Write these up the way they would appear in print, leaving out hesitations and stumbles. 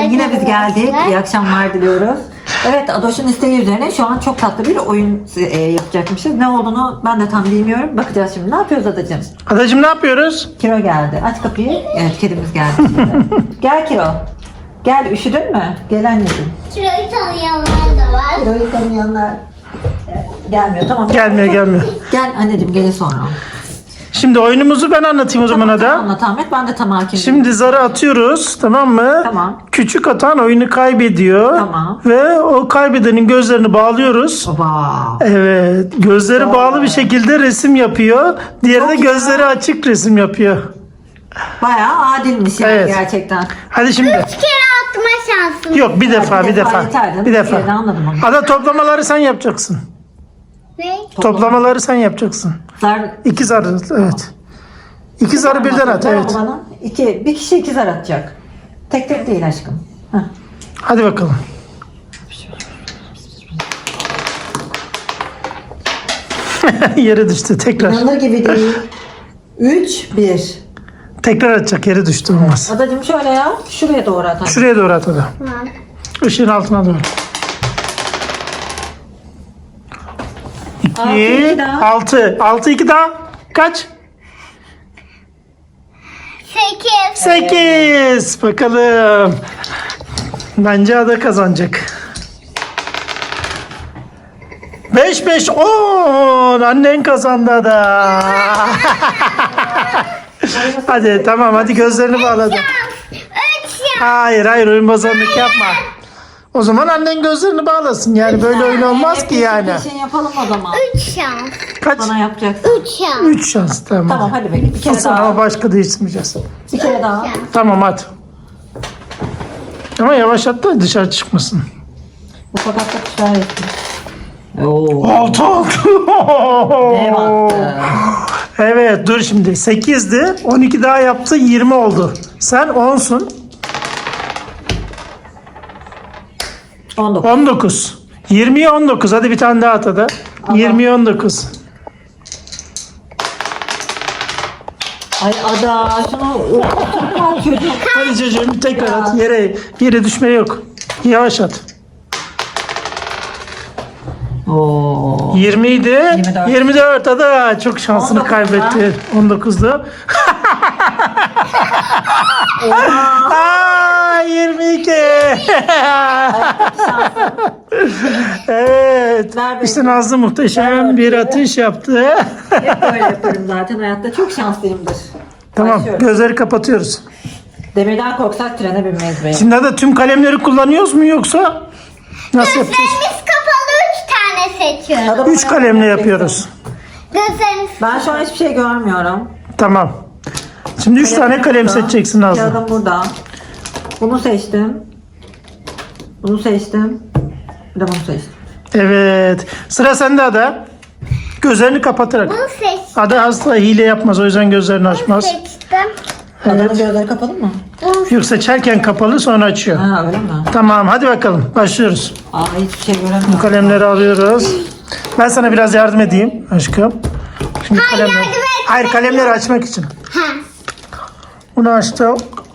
yine biz geldik. İyi akşamlar diliyoruz. Evet, Adoş'un isteği üzerine şu an çok tatlı bir oyun yapacakmışız. Ne olduğunu ben de tam bilmiyorum. Bakacağız şimdi. Ne yapıyoruz Adacığım? Adacığım ne yapıyoruz? Kiro geldi. Aç kapıyı. Evet, kedimiz geldi şimdi. Gel Kiro. Gel, üşüdün mü? Gel anneciğim. Kiroyu tanıyanlar da var. Kiro'yu tanıyanlar gelmiyor. Tamam. Gelmiyor. Gel anneciğim, gelin sonra. Şimdi oyunumuzu ben anlatayım o zaman Ada. Anlat Ahmet. Ben de tam hakim. Şimdi zarı atıyoruz, tamam mı? Tamam. Küçük atan oyunu kaybediyor. Tamam. Ve o kaybedenin gözlerini bağlıyoruz. Baba. Evet. Gözleri bağlı bir şekilde resim yapıyor. Diğeri de Çok gözleri ya. açık resim yapıyor. Bayağı adilmiş yani Evet. gerçekten. Hadi şimdi. 3 kere atma şansım. Yok, bir defa. yeter canım. Bir defa. Bir kere anladım onu. Ada, toplamaları sen yapacaksın. Ne? Toplamaları sen yapacaksın. Zar... 2 zar, evet. 2 zarı birden at, Ver evet. bana. Bir kişi 2 zar atacak. Tek tek değil aşkım. Heh. Hadi bakalım. Yere düştü tekrar. İnanılır gibi değil. 3, 1. Tekrar atacak, yere düştü, olmaz. Adacığım şöyle ya. Şuraya doğru at. Şuraya doğru at Ada. Tamam. Işığın altına doğru. Altı, 2, iki daha. 6. 6, 2 daha. Kaç? 8. 8. Bakalım. Bence Ada kazanacak. 5, 5, 10. Annen kazandı Ada. Hadi tamam, hadi gözlerini bağladı. 3 şans. Hayır, oyun bozanlık yapma. O zaman annen gözlerini bağlasın. Yani böyle oyun olmaz ki yani. Bir şey yapalım o zaman. 3 şans. Kaç? Bana yapacaksın. 3 şans. 3 şans, tamam. Tamam hadi bekle. Bir kere Sonra daha. ama başka değiştirmeyeceğiz. Bir kere daha. Tamam, hadi. Ama yavaş at da dışarı çıkmasın. Bu sokakta kuşlar yesin. Oo. 6 Ne baktı? Evet, dur şimdi. 8'di. 12 daha yaptı, 20 oldu. Sen 10'sun. 19. 19. 20'ye 19. Hadi bir tane daha at Ada. 20'ye 19. Ay Ada şunu çocuğum. Hadi çocuğum tekrar at. Yere düşme yok. Yavaş at. Oo. 20 idi. 24. 24 Ada. Çok şansını 19 kaybetti. 19'du. Aa, 22. Evet. Ver İşte beni. Nazlı muhteşem bir atış yaptı. Hep böyle yaparım zaten hayatta. Çok şanslıyımdır. Tamam, Başlıyorum. gözleri kapatıyoruz. Demirden korksak trene binmeyiz be. Şimdi de tüm kalemleri kullanıyoruz mu yoksa nasıl yapacağız? Gözlerimiz kapalı 3 tane seçiyoruz. Ada 3 bana kalemle yapacaksın. yapıyoruz. Gözlerimiz Ben şu an hiçbir şey görmüyorum. Tamam. Şimdi 3 tane kalem burada. seçeceksin Nazlı. Kağıdım burada. Bunu seçtim. Bunu seçtim. Bir de bunu seçtim. Evet. Sıra sende Ada. Gözlerini kapatarak. bunu seçtim. Ada asla hile yapmaz, o yüzden gözlerini açmaz. Seçtim. Adanın Evet. gözleri kapalı mı? Yok, seçerken kapalı, sonra açıyor. Ha öyle mi? Tamam, hadi bakalım. Başlıyoruz. Aa hiçbir şey göremiyorum. Kalemleri alıyoruz. Ben sana biraz yardım edeyim aşkım. Şimdi kalemleri... yardım et. Hayır, kalemleri açmak için. Ha. Bunu açtım.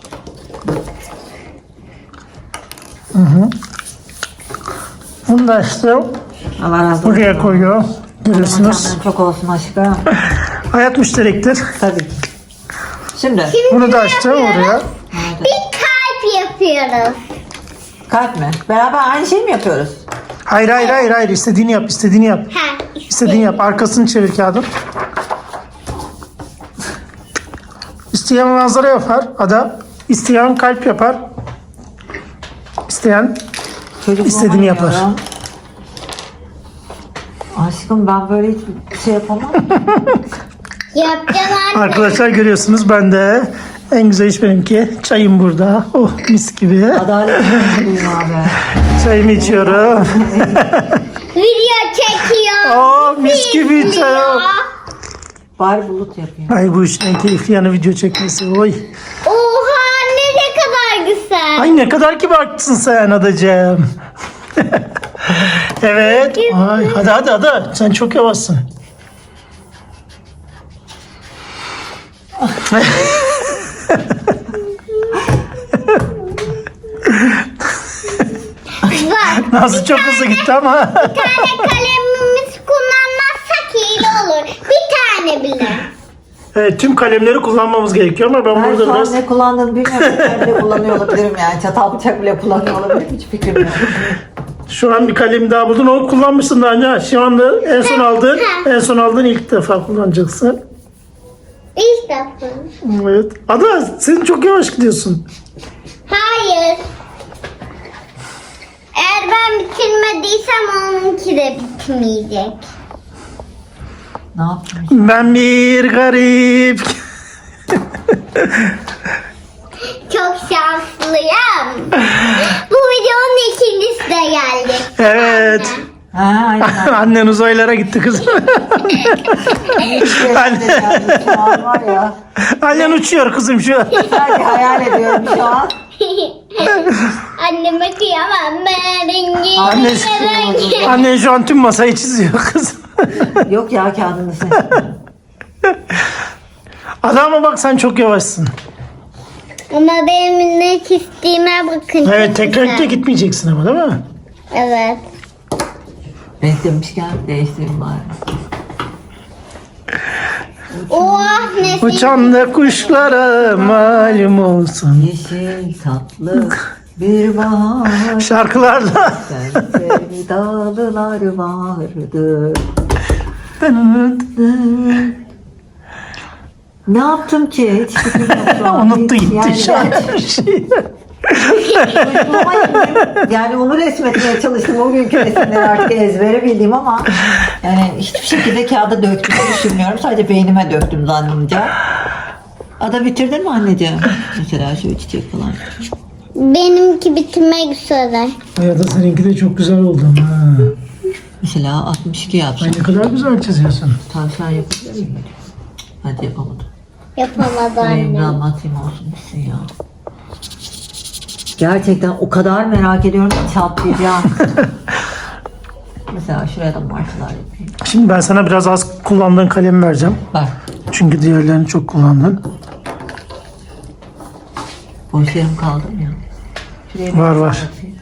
Bunu da açtım. Allah razı olsun. Buraya koyuyor. Görüyorsunuz. Senden çok olsun aşkım. Hayat müşterektir. Tabii ki. Şimdi. Bunu da açtım oraya. Bir kalp yapıyoruz. Kalp mi? Beraber aynı şeyi mi yapıyoruz? Hayır. İstediğini yap, istediğini yap. Ha. İstediğini yap. Arkasını çevir kağıdın. İsteyen manzara yapar Ada. İsteyen kalp yapar. İsteyen Çocuk İstediğini yapar. yapıyorum. Aşkım ben böyle hiçbir şey yapamam. Yapacağım anne. arkadaşlar, görüyorsunuz, ben de en güzel iş benimki. Çayım burada. Oh, mis gibi. Adalet mutluyum abi. Çayımı içiyorum. Video çekiyor. Oh, mis gibi çay. Bari bulut yapayım. Ay, bu işin en keyifli yanı video çekmesi. Oy. Oha ne kadar güzel. Ay, ne kadar kibarsın sen Adacığım. Evet. Ay, hadi Ada. Sen çok yavaşsın. Nazlı çok hızlı gitti ama. Bir tane kalemimizi kullanmazsak iyi olur. Bir tane bile. Evet, tüm kalemleri kullanmamız gerekiyor ama ben Ben burada şu an biraz... ne kullandığımı bilmiyorum. Ben bile kullanıyor olabilirim yani. Çatal bıçak bile kullanıyor olabilirim. Hiç fikrim yok. Şu an bir kalem daha buldun. Onu kullanmışsın daha önce. Şu anda en son aldığın ilk defa kullanacaksın. İlk defa. Evet. Ada sen çok yavaş gidiyorsun. Hayır. Eğer ben bitirmediysem onunki de bitmeyecek. Ne yaptım? Ben bir garip. Çok şanslıyım. Bu videonun ikincisi de geldi. Evet. Ha, aynen. Annen uzaylara gitti kızım. Şu an var ya. Annen uçuyor kızım şu an. Sadece hayal ediyorum şu an. Anneme kıyamam ben rengi. Anne- Annen şu an tüm masayı çiziyor kızım. Yok ya kağıdını sen. Adama bak sen çok yavaşsın. Ama benim ne çizdiğime bakın. Evet çok tekrar güzel. de gitmeyeceksin ama değil mi? Evet. Renk demişken değiştireyim bari. Oh ne Uçan da kuşlara malum olsun. Yeşil tatlı bir bahar. Şarkılarla. Sevdalılar vardı. Ne yaptım ki? Hiç fikrim yok şu an. Unuttu gitti Yani şu an. Yani onu resmetmeye çalıştım. O günkü resimleri artık ezbere bildiğim ama yani hiçbir şekilde kağıda döktüğümü düşünmüyorum. Sadece beynime döktüm zannımca. Ada bitirdin mi anneciğim? Mesela şu çiçek falan. Benimki bitirmek üzere. Ya da seninki de çok güzel oldu ama. Mesela 62 yapsam. Ay ne kadar güzel çiziyorsun. Tavşan yapabilir miyim? Hadi yapamadım. Yapamadı Benim annem. anlatayım olsun bitsin ya. Gerçekten o kadar merak ediyorum ki çatlayacağım. Mesela şuraya da martılar yapayım. Şimdi ben sana biraz az kullandığın kalemi vereceğim. Bak. Çünkü diğerlerini çok kullandın. Boş yerim kaldı mı ya? Şuraya bir Var, tane var. yapayım.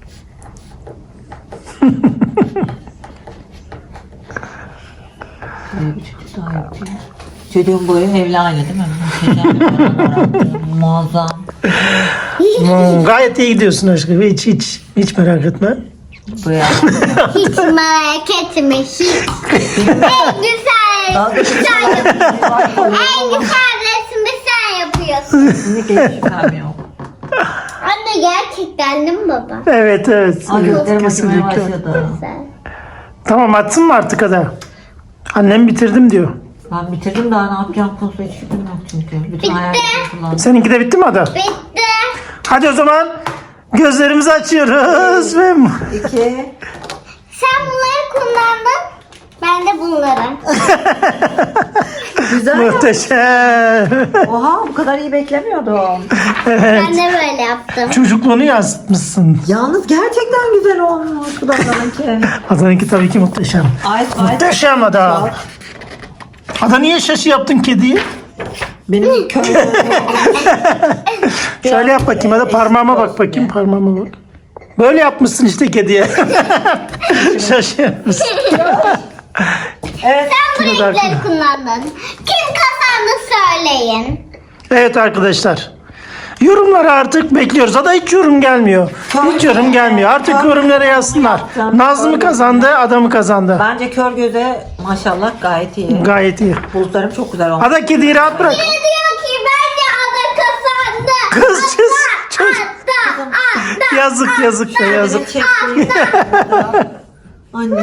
Şuraya bir çocuk daha yapayım. Çocuğun boyu evli aile değil mi? Muhteşem bir fotoğraf. Muazzam. Gayet iyi gidiyorsun aşkım. Hiç merak etme. Buraya. Hiç merak etme hiç. En güzel. Dalga Sen yapıyorsun. En geçiyor. güzel resmi sen yapıyorsun. Kesinlikle hiç şüphem yok. Anne gerçekten değil mi baba? Evet. Ay gözlerim acımaya Kesinlikle. başladı. Güzel. Tamam atsın mı artık Ada? Annem bitirdim diyor. Ben bitirdim daha ne yapacağım konusunda hiç fikrim yok çünkü. Bütün hayallerimi kullandım. Seninki de bitti mi Ada? Bitti. Hadi o zaman gözlerimizi açıyoruz ve 2. Sen bunları kullandın. Ben de bunları. Güzel. muhteşem. Oha bu kadar iyi beklemiyordum. Ben de böyle yaptım. Çocukluğunu yansıtmışsın. Yalnız gerçekten güzel olmuş. Bu da bana Adanınki tabii ki muhteşem. Muhteşem Ada. Ada niye şaşı yaptın kediyi? Benim köy. Şöyle yap bakayım Ada, parmağıma bak bakayım, parmağıma bak. Böyle yapmışsın işte kediye. Şaşı yapmışsın. Evet. Sen bu Şunu da renkleri arkana. kullandın. Kim kazandı söyleyin. Evet arkadaşlar. Yorumları artık bekliyoruz. Ada hiç yorum gelmiyor. Hiç yorum gelmiyor. Artık yorumlara yazsınlar. Nazlı mı kazandı, Ada mı kazandı? Bence kör göze maşallah gayet iyi. Gayet iyi. Bulutlarım çok güzel olmuş. Ada kediyi rahat bırak. Ne diyor ki bence Ada kazandı. Kız çocuk. Ada. Yazık da yazık. Çekti. Anne.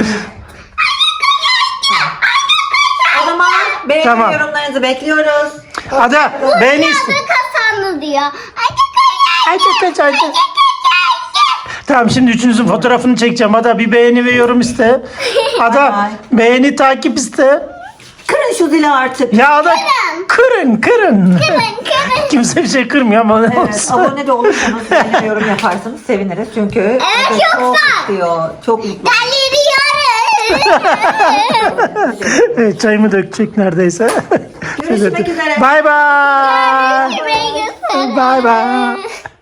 O zaman beğeni Tamam. yorumlarınızı bekliyoruz. Ada beğeni iste. Ada kazandı diyor. Ay. Tamam şimdi üçünüzün fotoğrafını çekeceğim. Ada bir beğeni ve yorum iste. Ada Bay beğeni takip iste. Kırın şu zili artık. Ya Ada kırın. Kırın. Kimse bir şey kırmıyor ama ne Evet, olsun. abone de olursanız beğeni ve yorum yaparsanız seviniriz. Çünkü evet, çok yoksa- istiyor. Çok mutlu. Deliriyoruz. Evet, çayımı dökecek neredeyse. Görüşmek üzere. Bye bye. Görüşmek üzere. Bye bye.